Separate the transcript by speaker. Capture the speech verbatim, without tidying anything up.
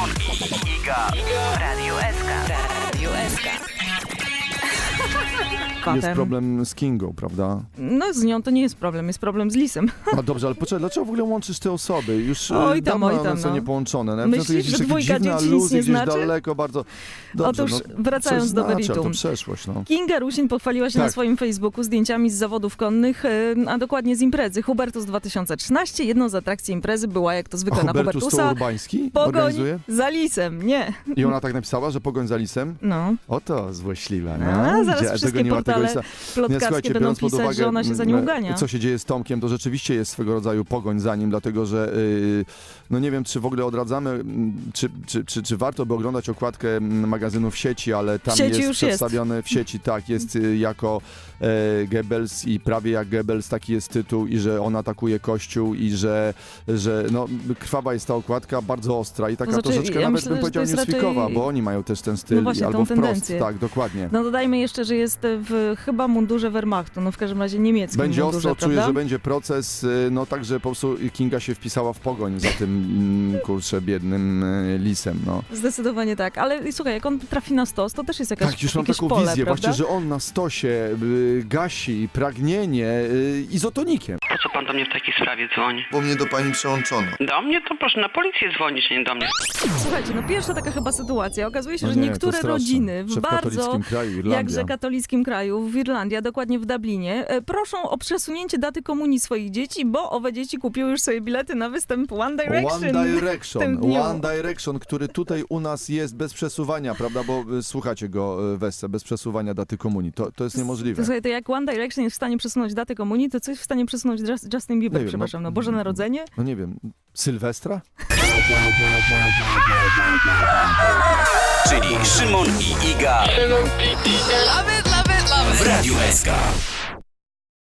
Speaker 1: Szymon i Iga w Radiu S K.
Speaker 2: Radio S K.
Speaker 3: Jest problem z Kingą, prawda?
Speaker 2: No z nią to nie jest problem, jest problem z Lisem.
Speaker 3: No dobrze, ale poczekaj, dlaczego w ogóle łączysz te osoby? Już
Speaker 2: Oj tam,
Speaker 3: dawno
Speaker 2: oj
Speaker 3: one
Speaker 2: tam,
Speaker 3: są
Speaker 2: no.
Speaker 3: niepołączone. No,
Speaker 2: Myślisz,
Speaker 3: to jakieś
Speaker 2: że
Speaker 3: takie
Speaker 2: dwójka
Speaker 3: dziwne
Speaker 2: dzieci nic
Speaker 3: aluzje
Speaker 2: nie
Speaker 3: gdzieś
Speaker 2: znaczy?
Speaker 3: daleko, bardzo... Dobrze,
Speaker 2: Otóż
Speaker 3: no,
Speaker 2: wracając
Speaker 3: coś
Speaker 2: do
Speaker 3: znaczy, ale
Speaker 2: meritum.
Speaker 3: to przeszłość, no.
Speaker 2: Kinga Rusin pochwaliła się
Speaker 3: Tak.
Speaker 2: na swoim Facebooku zdjęciami z zawodów konnych, e, a dokładnie z imprezy Hubertus dwa tysiące trzynaście. Jedną z atrakcji imprezy była, jak to zwykle
Speaker 3: A
Speaker 2: na
Speaker 3: Hubertus to
Speaker 2: Hubertusa,
Speaker 3: Urbański
Speaker 2: pogoń
Speaker 3: organizuje?
Speaker 2: za lisem. Nie.
Speaker 3: I ona tak napisała, że pogoń za lisem?
Speaker 2: No.
Speaker 3: Oto złośliwa, no.
Speaker 2: A, zaraz
Speaker 3: Gdzie-
Speaker 2: wszystkie
Speaker 3: dogoniła tego
Speaker 2: portale
Speaker 3: lisa.
Speaker 2: plotkarskie będą
Speaker 3: biorąc pod
Speaker 2: pisać,
Speaker 3: uwagę,
Speaker 2: że ona się za nią
Speaker 3: mm,
Speaker 2: ugania.
Speaker 3: co się dzieje z Tomkiem, to rzeczywiście jest swego rodzaju pogoń za nim, dlatego że yy, no nie wiem, czy w ogóle odradzamy, mm, czy, czy, czy, czy warto by oglądać okładkę mm, magazynu w sieci, ale tam
Speaker 2: W sieci
Speaker 3: jest
Speaker 2: już
Speaker 3: przedstawiony w sieci, tak, jest y, jako e, Goebbels i prawie jak Goebbels, taki jest tytuł i że on atakuje Kościół i że, że no, krwawa jest ta okładka, bardzo ostra i taka
Speaker 2: To znaczy,
Speaker 3: troszeczkę
Speaker 2: ja
Speaker 3: nawet
Speaker 2: myślę,
Speaker 3: bym
Speaker 2: że
Speaker 3: powiedział
Speaker 2: to jest
Speaker 3: newsweekowa,
Speaker 2: raczej-
Speaker 3: bo oni mają też ten styl,
Speaker 2: No właśnie,
Speaker 3: albo
Speaker 2: tą
Speaker 3: wprost,
Speaker 2: tendencję.
Speaker 3: tak, dokładnie.
Speaker 2: No dodajmy jeszcze, że jest w chyba mundurze Wehrmachtu, no w każdym razie niemieckim
Speaker 3: Będzie
Speaker 2: mundurze,
Speaker 3: ostro, czuję,
Speaker 2: prawda?
Speaker 3: że będzie proces, y, no także po prostu Kinga się wpisała w pogoń za tym, mm, kurczę, biednym y, lisem, no.
Speaker 2: Zdecydowanie tak, ale słuchaj, jak on trafi na stos, to też jest jakaś,
Speaker 3: Tak, już mam
Speaker 2: jakieś
Speaker 3: taką
Speaker 2: pole,
Speaker 3: wizję,
Speaker 2: prawda?
Speaker 3: właśnie, że on na stosie y, gasi pragnienie y, izotonikiem.
Speaker 4: Po co pan do mnie w takiej sprawie dzwoni?
Speaker 5: Bo mnie do pani przełączono.
Speaker 4: Do mnie? To proszę na policję dzwonić, a nie do mnie.
Speaker 2: Słuchajcie, no pierwsza taka chyba sytuacja. Okazuje się,
Speaker 3: No
Speaker 2: że
Speaker 3: nie, to
Speaker 2: niektóre
Speaker 3: straszne.
Speaker 2: rodziny w
Speaker 3: Że w
Speaker 2: bardzo,
Speaker 3: katolickim kraju, Irlandia.
Speaker 2: jakże katolickim kraju, w Irlandii, a dokładnie w Dublinie, e, proszą o przesunięcie daty komunii swoich dzieci, bo owe dzieci kupiły już sobie bilety na występ One Direction.
Speaker 3: One
Speaker 2: w tym
Speaker 3: Direction,
Speaker 2: dniu.
Speaker 3: One Direction, który tutaj u nas jest bez przesuwania, prawda, bo y, słuchacie go, y, Wesse, bez przesuwania daty komunii, to, to jest niemożliwe.
Speaker 2: To, słuchaj, to jak One Direction jest w stanie przesunąć datę komunii, to co jest w stanie przesunąć Just- Justin Bieber,
Speaker 3: Nie wiem,
Speaker 2: przepraszam, no,
Speaker 3: no-
Speaker 2: Boże Narodzenie?
Speaker 3: No nie wiem, Sylwestra?
Speaker 1: Czyli Szymon i Iga w Radiu S K.